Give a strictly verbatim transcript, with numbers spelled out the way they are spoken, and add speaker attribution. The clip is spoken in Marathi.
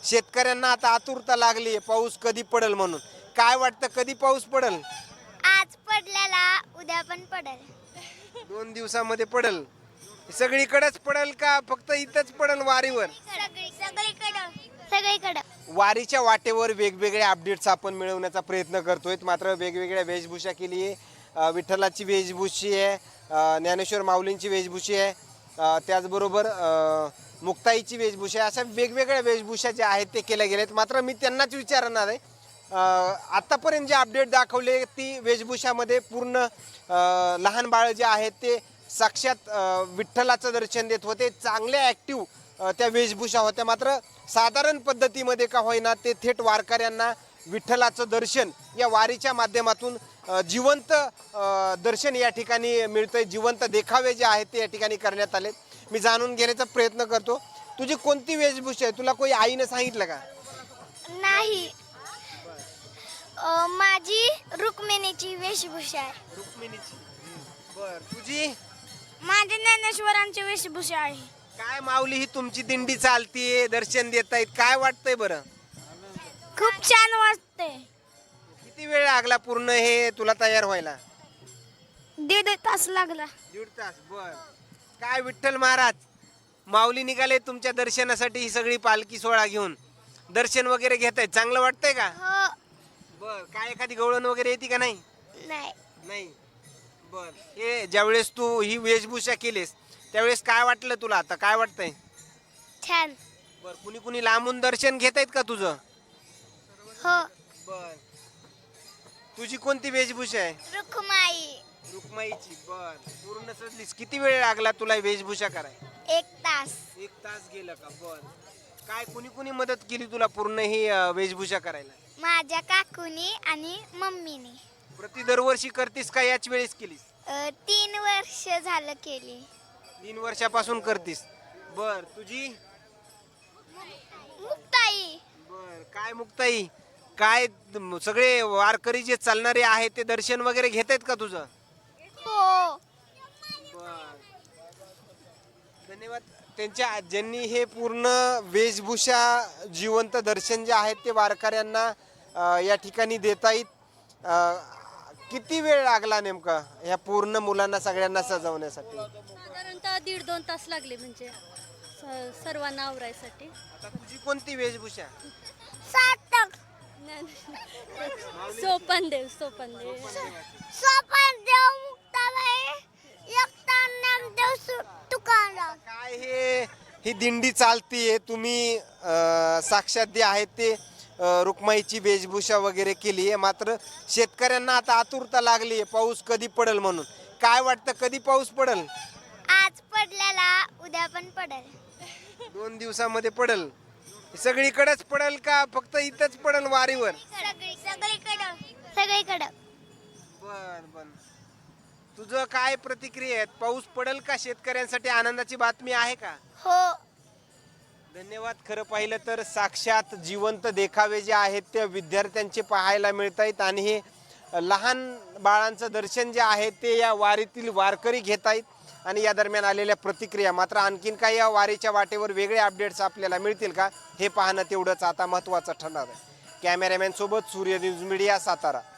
Speaker 1: शेतकऱ्यांना आता आतुरता लागली आहे पाऊस कधी पडेल म्हणून. काय वाटतं कधी पाऊस पडेल?
Speaker 2: आज पडलेला उद्या पण पडेल.
Speaker 1: दोन दिवसामध्ये पडेल. सगळीकडेच पडेल का फक्त इथंच पडेल वारीवर?
Speaker 2: सगळीकडं सगळीकडं.
Speaker 1: वारीच्या वाटेवर वेगवेगळे अपडेट्स आपण मिळवण्याचा प्रयत्न करतोय. मात्र वेगवेगळ्या वेशभूषा केली आहे. विठ्ठलाची वेशभूषी आहे, ज्ञानेश्वर माऊलींची वेशभूषी आहे, त्याचबरोबर मुक्ताईची वेशभूषा आहे. अशा वेगवेगळ्या वेशभूषा ज्या आहेत ते केल्या गेल्यात. मात्र मी त्यांनाच विचारणार आहे, आत्तापर्यंत जे अपडेट दाखवले ती वेशभूषामध्ये पूर्ण लहान बाळ जे आहेत ते साक्षात विठ्ठलाचं दर्शन देत होते. चांगले ॲक्टिव्ह त्या वेशभूषा होत्या. मात्र साधारण पद्धतीमध्ये का होईना ते थेट वारकऱ्यांना विठ्ठलाचं दर्शन या वारीच्या माध्यमातून जिवंत दर्शन या ठिकाणी मिळतंय. जिवंत देखावे जे आहेत ते या ठिकाणी करण्यात आले. मी जाणून घेण्याचा प्रयत्न करतो, तुझी कोणती वेशभूषा आहे? तुला कोणी आईनं सांगितलं का?
Speaker 2: नाही, माझी रुक्मिणीची वेशभूषा आहे.
Speaker 1: रुक्मिणीची. बर, तुझी?
Speaker 2: माझी ज्ञानेश्वरांची वेशभूषा आहे.
Speaker 1: काय माऊली ही तुमची दिंडी चालतीये, दर्शन देतायत, काय वाटतंय बरं?
Speaker 2: खूप छान वाटते.
Speaker 1: किती वेळ लागला पूर्ण हे तुला तयार व्हायला?
Speaker 2: दीड तास लागला.
Speaker 1: दीड तास. बर, काय विठ्ठल महाराज माऊली निघाले तुमच्या दर्शनासाठी, ही सगळी पालखी सोहळा घेऊन दर्शन वगैरे घेतायत, चांगलं वाटतंय का?
Speaker 2: हो.
Speaker 1: बर, काय एखादी गवळण वगैरे येते का? नाही
Speaker 2: नाही.
Speaker 1: नाही. बर, हे ज्यावेळेस तू ही वेशभूषा केलीस त्यावेळेस काय वाटलं तुला? आता काय वाटतंय?
Speaker 2: छान.
Speaker 1: बर, कुणी कुणी लांबून दर्शन घेतायत का तुझं?
Speaker 2: हो.
Speaker 1: बर, तुझी कोणती वेशभूषा आहे?
Speaker 2: रुक्माई.
Speaker 1: रुक्माईची. बर, पूर्ण सजलीस. किती वेळ लागला तुला वेशभूषा करायला?
Speaker 2: एक तास.
Speaker 1: एक तास गेला का? बर, काय कुणी कुणी मदत केली तुला पूर्ण ही वेशभूषा करायला?
Speaker 2: माझ्या काकूनी आणि मम्मीनी.
Speaker 1: प्रति दरवर्षी करतीस का याच वेळेस केलीस?
Speaker 2: तीन वर्ष झालं केली.
Speaker 1: तीन वर्षापासून करतीस. बर, तुझी?
Speaker 2: मुक्ताई.
Speaker 1: बर, काय मुक्ताई, काय सगळे वारकरी जे चालणारे आहेत ते दर्शन वगैरे घेत आहेत का तुझं?
Speaker 2: हो.
Speaker 1: बर, धन्यवाद. त्यांच्या ज्यांनी हे पूर्ण वेशभूषा जिवंत दर्शन जे आहेत ते वारकऱ्यांना या ठिकाणी देता येत. किती वेळ लागला नेमका ह्या पूर्ण मुलांना सगळ्यांना सजवण्यासाठी?
Speaker 3: साधारणतः दीड दोन तास लागले, म्हणजे सर्वांना आवरायसाठी.
Speaker 1: आता तुझी कोणती वेशभूषा?
Speaker 2: सार्थक.
Speaker 3: सोपन देव. सोपन देव.
Speaker 2: सोपन देव. मुक्ताबाई. एकता नामदेव तुकाराम.
Speaker 1: काय हे ही दिंडी चालतीये, तुम्ही साक्षात जे आहेत ते रुक्माईची वेशभूषा वगैरे केली आहे. मात्र शेतकऱ्यांना आता आतुरता लागली आहे पाऊस कधी पडेल म्हणून. काय वाटतं कधी पाऊस पडेल?
Speaker 2: आज पडलेला उद्या पण पडेल.
Speaker 1: दोन दिवसामध्ये पडेल. सगळीकडेच पडेल का फक्त इथंच पडेल वारीवर?
Speaker 2: सगळीकडं सगळीकडं.
Speaker 1: बर बर, तुझं काय प्रतिक्रिया आहे? पाऊस पडेल का? शेतकऱ्यांसाठी आनंदाची बातमी आहे का?
Speaker 2: हो.
Speaker 1: धन्यवाद. खरं पाहिलं तर साक्षात जिवंत देखावे जे आहेत ते विद्यार्थ्यांचे पाहायला मिळत आहेत आणि हे लहान बाळांचं दर्शन जे आहे ते या वारीतील वारकरी घेत आहेत. आणि या दरम्यान आलेल्या प्रतिक्रिया. मात्र आणखीन काही या वारीच्या वाटेवर वेगळे अपडेट्स आपल्याला मिळतील का हे पाहणं तेवढंच आता महत्त्वाचं ठरणार आहे. कॅमेरामॅन सोबत सूर्य न्यूज मीडिया, सातारा.